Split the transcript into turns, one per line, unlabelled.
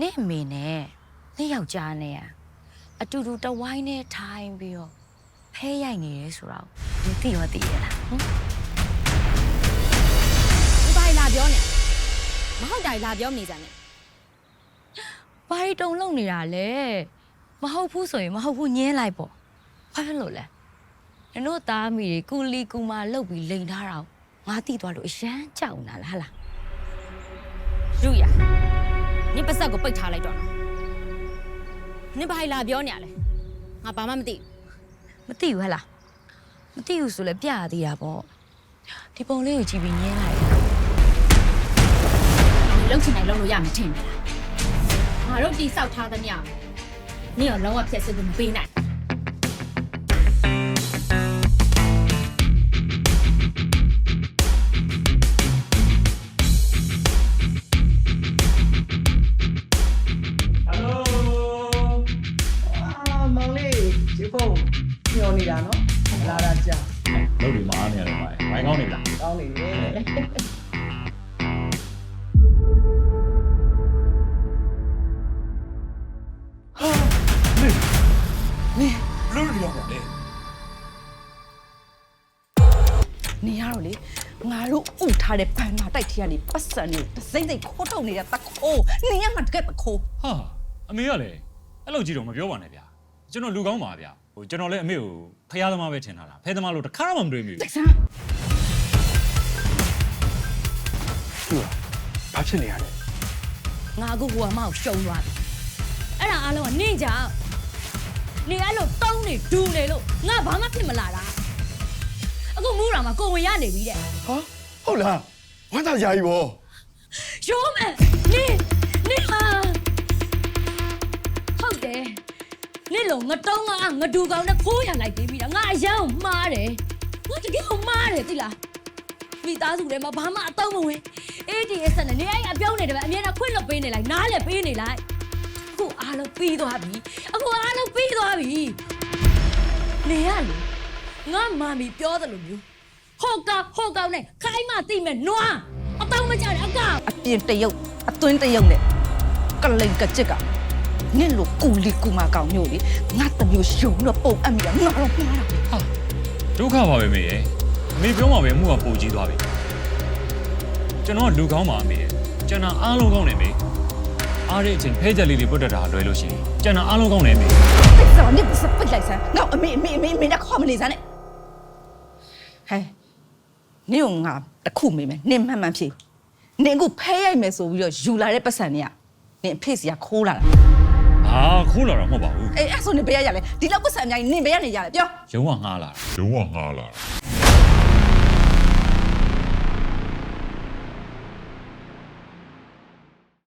နေ့အမေနဲ့နေ့ယောက်ျားနဲ့အတူတူတဝိုင်းနဲ့ထိုင်ပြီးတော့ဖဲရိုက်နေရဲဆိုတော့ဒီသိရောသိရလားဟင်
ဘာလာပြောနေမဟုတ်တာလာပြောနေကြနဲ့
ဘာရီတုံလုံနေတာလဲမဟုတ်ဘူးဆိုရင်မဟုတ်ဘူးညင်းလိုက်ပေါ့ဘာဖြစ်လို့လဲနင်တို့သားမိတွေကူလီကူမာလှုပ်ပြီးလိန်ထားတာငါတိသွားလို့အရန်ကြောက်နေတာလားဟလား
ရူရနင်ပါစက်ကိုပိတ်ထားလိုက်တော့နော်နင်ဘာလာပြောနေရလဲငါဘာမှမသိ
မသိဘူးဟလားမသိဘူးဆိုလဲပြရသေးတာပေါ့ဒီပုံလေးကိုကြည့်ပြီးညင်းလိုက်
နင်လှုပ်ချင်တိုင်းလှုပ်လို့ရမှာထင်တယ်လားငါတို့တိဆောက်ထားသမျှနင်ရောလုံးဝဖြည့်စစ်လို့မပေးနိုင်
မောင်လေးဒီဖုန်းညောနေတာနော်လာတာကြာ
လုပ်ပြီးမအားနေရတယ်ဗျာ။ဘိုင်းကောင်းနေလား
ကောင်းနေတယ်
လို့လို့ရောက်တယ်
နေရတော့လေငါတို့ဥထားတဲ့ဘန်နာတိုက်ထီကနေပတ်စံနေစိမ့်စိမ့်ခိုးထုတ်နေတဲ့တခိုးနေရမှာတကယ်တခိုး
။ဟာအမေကလည်းအဲ့လိုကြည့်တော့မပြောပါနဲ့ဗျာ။ကျွန်တော်လူကောင်းပါဗျာ။ကျွန်တော်လည်းအမေကိုဖျားသမားပဲထင်ထားတာ။ဖဲသမားလို့တစ်ခါမှမတွေ့မိဘူး
တက်ဆန်း
ဘာဖြစ်နေရလဲ
ငါအခုဟိုအမောက်ရှုံသွားပြီအဲ့ဒါအားလုံးကနင့်ကြောင့်နေအဲ့လိုတုံးနေဒူးနေလို့ငါဘာမှဖြစ်မလာတာအခုမူးတာမှာကိုဝင်ရနေပြီတဲ့
ဟာဟုတ်လားဝမ်းသာကြကြီးဗော
ရိုးမယ်နေဟာဟုတ်တယ်နေလုံးငတုံးငါဒူကောင်နဲ့ခိုးရလိုက်သေးပြီလားငါအရန်ကိုမှားတယ်ငါတကယ်ကိုမှားတယ်သိလားမိသားစုထဲမှာဘာမှအတော့မဝင်ADS နဲ့နေအဲ့အပြောင်းနေတယ်ပဲအမြဲတမ်းခွင့်လွတ်ပေးနေလိုက်နားလည်းပေးနေလိုက်အခုအားလုံးပြီးသွားပြီအခုအားလုံးပြီးသွားပြီနေရလေငါမာမီပြောတယ်လို့မျိုးဟောကောက်နဲ့ခိုင်းမသိမဲ့နွားအတော့မကြတဲ့အကောင်
အပြင်တရုတ်အတွင်းတရုတ်နဲ့ကလိန်ကကြက်ကနင့်လိုကူလီကူမာကောင်မျိုးလေငါတမျိုးရှုံတော့ပုံအပ်မိတာငါတော့မှားတာ
။ဟာဒုက္ခပါပဲမေရဲ့။အမေပြောမှပဲမှုကပူကြီးသွားပြီ။ကျွန်တော်ကလူကောင်းပါအမေရဲ့။ကျွန်တော်အားလုံးကောင်းနေမေ။အားတဲ့အချိန်ဖဲချက်လေးတွေပုတ်တက်တာလွယ်လို့ရှိရင်ကျွန်တော်အားလုံးကောင်းနေမေ
တိတ်စားနင့်စပိတ်လိုက်စမ်းငါအမေနဲ့ခေါ်မနေစမ်းနဲ့ဟဲ့နင့်ငါတခုမေးမယ်နင့်မှန်ဖြေနင်အခုဖဲရိုက်မယ်ဆိုပြီးတော့ယူလာတဲ့ပတ်စံတွေကနင်အဖေစီကခိုးလာတာ
။ဟာခိုးလာတော့မဟုတ်ပါဘူး
အဲ့ဆိုနင်ဘယ်ရရလဲဒီလောက်ပတ်စံအများကြီးနင်ဘယ်ရနေရလဲပြော
။ရုံးကငှားလာတာ
ရုံးကငါလာ